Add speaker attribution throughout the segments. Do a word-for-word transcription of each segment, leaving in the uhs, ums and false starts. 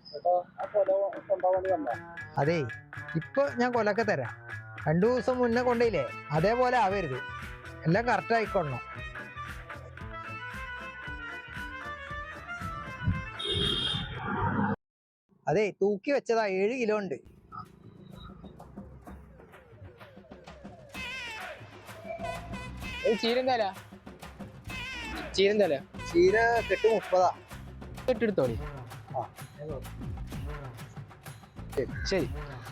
Speaker 1: അതേ ഇപ്പൊ ഞാൻ കൊലൊക്കെ തരാം. രണ്ടു ദിവസം മുന്നേ കൊണ്ടേയില്ലേ അതേപോലെ ആവരുത്, എല്ലാം കറക്റ്റ് ആയിക്കൊള്ളണം. അതെ തൂക്കി വെച്ചതാ, ഏഴ് കിലോ ഉണ്ട്.
Speaker 2: ചീരന്തല ചീരന്തല
Speaker 1: ചീര കെട്ട് മുപ്പതാ.
Speaker 2: കെട്ടെടുത്തോളി. ശരി.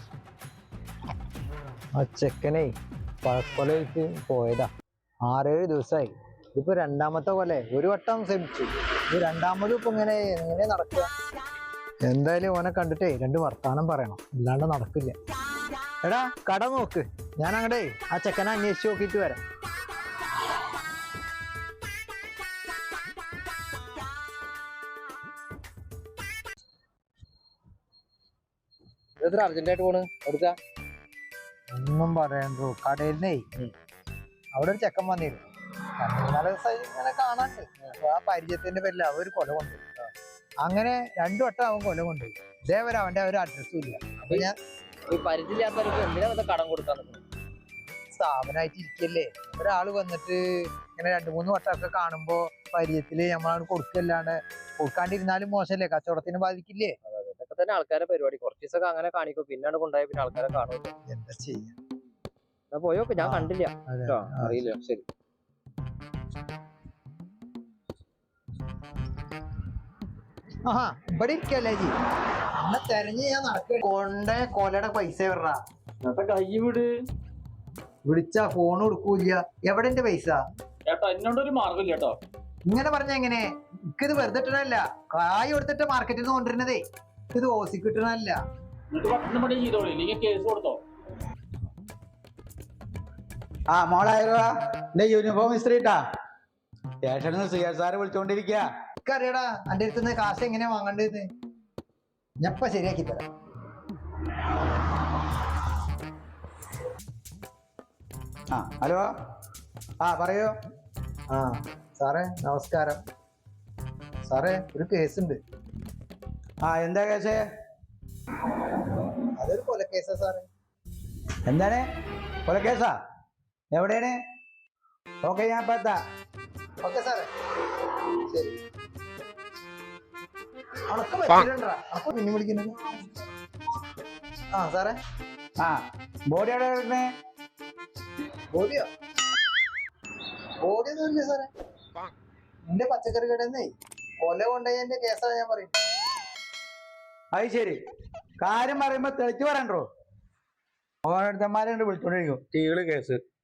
Speaker 1: ആ ചെക്കനെ പഴക്കൊലയിട്ട് പോയതാ, ആറേഴ് ദിവസമായി. ഇതിപ്പോ രണ്ടാമത്തെ കൊലേ. ഒരു വട്ടം ശ്രമിച്ചു, ഇത് രണ്ടാമതും ഇപ്പൊ ഇങ്ങനെ എങ്ങനെ നടക്കുക. എന്തായാലും ഓനെ കണ്ടിട്ടേ രണ്ട് വർത്താനം പറയണം, അല്ലാണ്ട് നടക്കില്ല. എടാ കട നോക്ക്, ഞാൻ അങ്ങടെ ആ ചെക്കനെ അന്വേഷിച്ച് നോക്കിയിട്ട് വരാം.
Speaker 2: എത്ര അർജന്റായിട്ട് പോണ് എടുക്ക?
Speaker 1: ഒന്നും പറയണ്ടോ, കടയിൽന്നേ അവിടെ ഒരു ചെക്കൻ വന്നിരുന്നു. നല്ല ഇങ്ങനെ കാണാണ്ട് ആ പരിചയത്തിന്റെ പേരിൽ അവ ഒരു കൊല കൊണ്ടുപോയി. അങ്ങനെ രണ്ടു വട്ടം അവൻ കൊല കൊണ്ടുപോയി. ഇതേവരെ അവന്റെ ഒരു അഡ്രസ്സും ഇല്ല. അപ്പൊ ഞാൻ
Speaker 2: ഈ പരിചയമില്ലാത്തവർക്ക് എന്തിനാ വല്ല കടം കൊടുക്കാൻ
Speaker 1: സ്ഥാപനമായിട്ട് ഇരിക്കല്ലേ, ഒരാള് വന്നിട്ട് ഇങ്ങനെ രണ്ടു മൂന്ന് വട്ടമൊക്കെ കാണുമ്പോ പരിചയത്തില് നമ്മളാണ് കൊടുക്കല്ലാണ്ട്, കൊടുക്കാണ്ടിരുന്നാലും മോശമല്ലേ, കച്ചവടത്തിന് ബാധിക്കില്ലേ.
Speaker 2: ഇതൊക്കെ തന്നെ ആൾക്കാരെ പരിപാടി. കുറച്ച് ദിവസമൊക്കെ അങ്ങനെ കാണിക്കും, പിന്നാണ് കൊണ്ടുപോയ പിന്നെ ആൾക്കാരെ കാണൂല.
Speaker 1: എന്താ ചെയ്യാ.
Speaker 2: പോയോക്കെ, ഞാൻ കണ്ടില്ല, അറിയില്ല. ശരി.
Speaker 1: ആഹാ ഇവിടെ ഇരിക്കല്ലേ ജി, എന്നെ തെരഞ്ഞ് ഞാൻ നടക്ക. കൊണ്ട കൊലയുടെ പൈസ വിടറാ.
Speaker 3: കൈ വിട്.
Speaker 1: വിളിച്ചാ ഫോൺ കൊടുക്കൂല. എവിടെ എന്റെ പൈസ?
Speaker 3: ചേട്ടാ എന്നോടൊരു മാർഗമില്ല കേട്ടോ.
Speaker 1: ഇങ്ങനെ പറഞ്ഞ എങ്ങനെ? എനിക്കിത് വെറുതെ ഇട്ടണല്ല, കായ് കൊടുത്തിട്ട് മാർക്കറ്റിൽ നിന്ന് കൊണ്ടുവരുന്നതേ. ഇത് ഓസി കിട്ടണല്ല.
Speaker 3: പട്ടണം പണി ചെയ്തോളൂ, ഇല്ലെങ്കിൽ കേസ് കൊടുത്തോ.
Speaker 4: ആ മോളായോ എന്റെ യൂണിഫോം ഇസ്ത്രീട്ടാ. സ്റ്റേഷനിൽ നിന്ന് സി എസ് ആർ വിളിച്ചോണ്ടിരിക്കുക.
Speaker 1: എനിക്കറിയടാ എന്റെ അടുത്ത് കാശ് എങ്ങനെയാ വാങ്ങണ്ടത്. ഞപ്പ ശരിയാക്കി തരാം.
Speaker 4: ആ ഹലോ, ആ പറയൂ.
Speaker 1: ആ സാറേ നമസ്കാരം. സാറേ ഒരു കേസുണ്ട്.
Speaker 4: ആ എന്താ കേസ്?
Speaker 1: അതൊരു കൊലക്കേസാ സാറേ.
Speaker 4: എന്താണ് കൊലക്കേസാ? എവിടെയാണ്? ഓക്കെ ഞാൻ ഇപ്പൊ എത്താം.
Speaker 1: ഓക്കെ സാറേ ശരി. അണക്ക് പറ്റില്ലണ്ടാ, അപ്പൊ പിന്നെ വിളിക്കുന്നത്. ആ സാറേ.
Speaker 4: ആ ബോഡി എവിടെ കിടക്കണേ?
Speaker 1: ബോഡിയോ? ബോഡി ഒന്നുമില്ല സാറേ. എന്റെ പച്ചക്കറി കടന്നേ കൊല കൊണ്ടുപോയതിന്റെ കേസാ ഞാൻ പറയും.
Speaker 4: അത് ശരി, കാര്യം പറയുമ്പോ തെളിച്ച് പറയണ്ടോ. ഓരോരുത്തന്മാരെ വിളിച്ചോണ്ടിരിക്കും ടീകള് കേസ്.